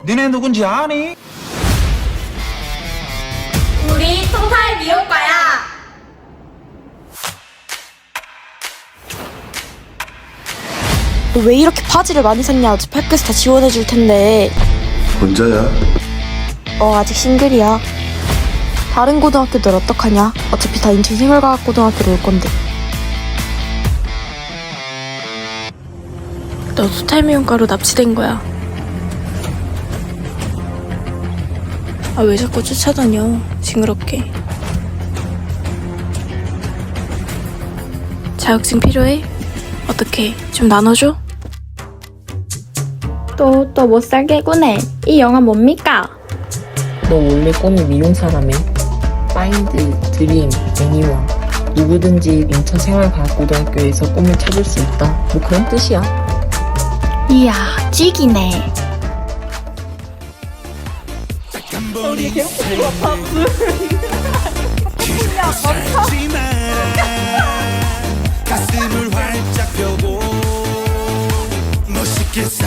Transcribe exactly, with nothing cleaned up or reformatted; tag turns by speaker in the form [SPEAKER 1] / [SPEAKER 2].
[SPEAKER 1] 니네 누군지 아니?
[SPEAKER 2] 우리 통살 미용과야.
[SPEAKER 3] 너 왜 이렇게 바지를 많이 샀냐? 어차피 학교에서 다 지원해줄 텐데.
[SPEAKER 4] 혼자야?
[SPEAKER 3] 어, 아직 싱글이야. 다른 고등학교들 어떡하냐? 어차피 다 인천 생활과학고등학교로 올 건데. 너 수탈미용과로 납치된 거야. 아, 왜 자꾸 쫓아다녀? 징그럽게. 자격증 필요해? 어떻게 좀 나눠줘?
[SPEAKER 2] 또 또 못 살게 구네. 이 영화 뭡니까?
[SPEAKER 5] 너 원래 꿈이 미용사라며? 파인드, 드림, 애니원 누구든지 인천생활과학고등학교에서 꿈을 찾을 수 있다. 뭐 그런 뜻이야.
[SPEAKER 2] 이야 찌기네.
[SPEAKER 6] 가슴을 활짝 펴고 멋있게 살